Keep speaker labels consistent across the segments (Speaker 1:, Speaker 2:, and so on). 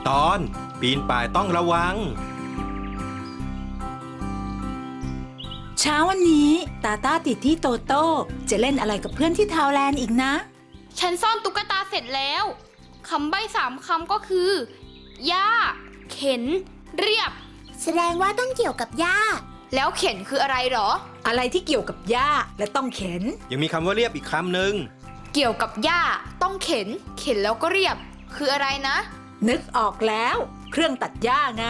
Speaker 1: ตอนปีนป่ายต้องระวัง
Speaker 2: เช้าวันนี้ตาติที่โตโต้จะเล่นอะไรกับเพื่อนที่ทาวแลนด์อีกนะ
Speaker 3: ฉันซ่อนตุ๊กตาเสร็จแล้วคำใบ้3 คำก็คือหญ้าเข็นเรียบ
Speaker 4: แสดงว่าต้องเกี่ยวกับหญ้า
Speaker 3: แล้วเข็นคืออะไรหรอ
Speaker 2: อะไรที่เกี่ยวกับหญ้าและต้องเข็น
Speaker 1: ยังมีคำว่าเรียบอีกคำหนึ่ง
Speaker 3: เกี่ยวกับหญ้าต้องเข็นแล้วก็เรียบคืออะไรนะ
Speaker 2: นึกออกแล้วเครื่องตัดหญ้าไง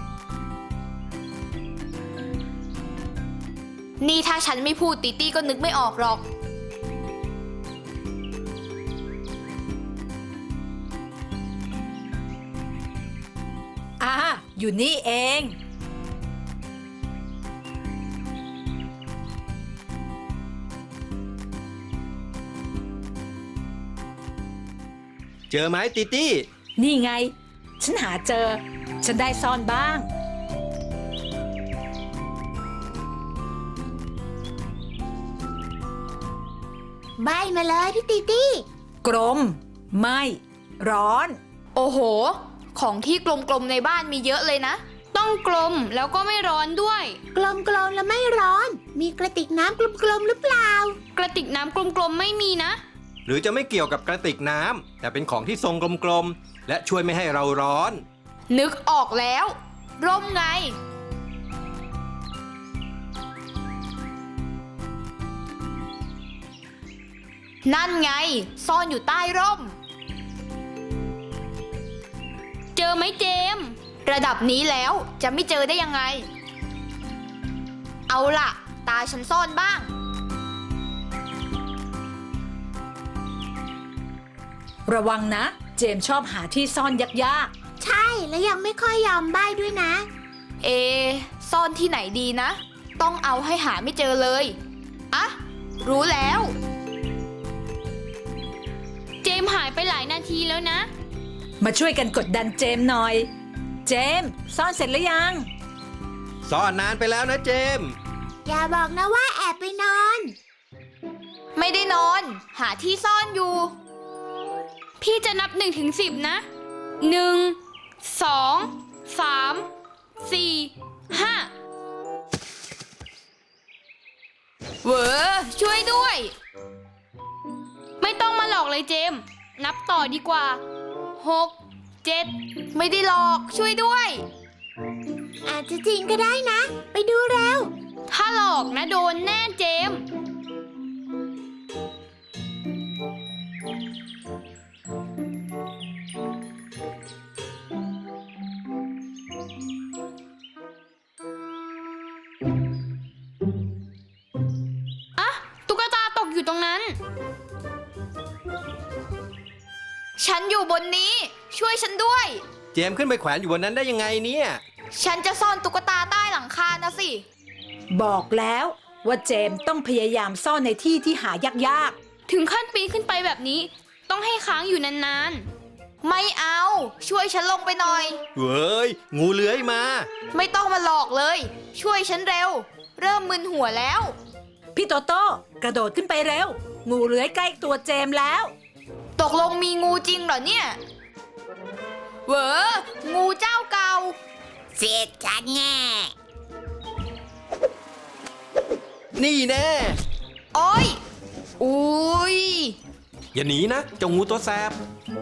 Speaker 3: นี่ถ้าฉันไม่พูดติตี้ก็นึกไม่ออกหรอก
Speaker 2: อยู่นี่เอง
Speaker 1: เจอไหมติตี้
Speaker 2: นี่ไงฉันหาเจอฉันได้ซ่อนบ้าง
Speaker 4: ใบมาเลยพี่ติตี้
Speaker 2: กลมไม่ร้อน
Speaker 3: โอ้โหของที่กลมๆในบ้านมีเยอะเลยนะต้องกลมแล้วก็ไม่ร้อนด้วย
Speaker 4: กลมๆแล้วไม่ร้อนมีกระติกน้ำกลมๆหรือเปล่าก
Speaker 3: ระติกน้ำกลมๆไม่มีนะ
Speaker 1: หรือจะไม่เกี่ยวกับกระติกน้ำแต่เป็นของที่ทรงกลมๆและช่วยไม่ให้เราร้อน
Speaker 3: นึกออกแล้วร่มไงนั่นไงซ่อนอยู่ใต้ร่มเจอไหมเจมส์ระดับนี้แล้วจะไม่เจอได้ยังไงเอาล่ะตาฉันซ่อนบ้าง
Speaker 2: ระวังนะเจมส์ชอบหาที่ซ่อนยาก
Speaker 4: ๆใช่และยังไม่ค่อยยอมใบ้ด้วยนะ
Speaker 3: ซ่อนที่ไหนดีนะต้องเอาให้หาไม่เจอเลยอะรู้แล้วเจมส์หายไปหลายนาทีแล้วนะ
Speaker 2: มาช่วยกันกดดันเจมส์หน่อยเจมส์ซ่อนเสร็จหรือยัง
Speaker 1: ซ่อนนานไปแล้วนะเจมส์
Speaker 4: อย่าบอกนะว่าแอบไปนอน
Speaker 3: ไม่ได้นอนหาที่ซ่อนอยู่พี่จะนับ1 ถึง 10นะ1 2 3 4 5เวอช่วยด้วยไม่ต้องมาหลอกเลยเจมส์นับต่อดีกว่า6 7ไม่ได้หลอกช่วยด้วย
Speaker 4: อาจจะจริงก็ได้นะไปดูเร็ว
Speaker 3: ถ้าหลอกนะโดนแน่เจมส์อะตุ๊กตาตกอยู่ตรงนั้นฉันอยู่บนนี้ช่วยฉันด้วย
Speaker 1: เจมส์ขึ้นไปแขวนอยู่บนนั้นได้ยังไงเนี่ย
Speaker 3: ฉันจะซ่อนตุ๊กตาใต้หลังคานะสิ
Speaker 2: บอกแล้วว่าเจมส์ต้องพยายามซ่อนในที่ที่หายาก
Speaker 3: ๆถึงขั้นปีนขึ้นไปแบบนี้ต้องให้ค้างอยู่นานๆไม่เอาช่วยฉันลงไปหน่อย
Speaker 1: เฮ้ยงูเลื้อยมา
Speaker 3: ไม่ต้องมาหลอกเลยช่วยฉันเร็วเริ่มมึนหัวแล้ว
Speaker 2: พี่โตโต้กระโดดขึ้นไปเร็วงูเลื้อยใกล้ตัวเจมส์แล้ว
Speaker 3: ตกลงมีงูจริงเหรอเนี่ยเวองูเจ้าเก่า
Speaker 4: เสียจัดแง่
Speaker 1: นี่แน่
Speaker 3: โอ้ยอุ้ย
Speaker 1: อย่าหนีนะเจ้างูตัวแสบ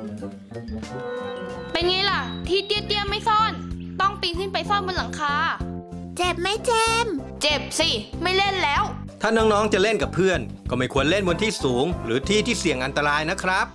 Speaker 3: เป็นไงล่ะที่เตี้ยๆไม่ซ่อนต้องปีนขึ้นไปซ่อนบนหลังคา
Speaker 4: เจ็บไหมเจมส์
Speaker 3: เจ็บสิไม่เล่นแล้ว
Speaker 1: ถ้าน้องๆจะเล่นกับเพื่อนก็ไม่ควรเล่นบนที่สูงหรือที่ที่เสี่ยงอันตรายนะครับ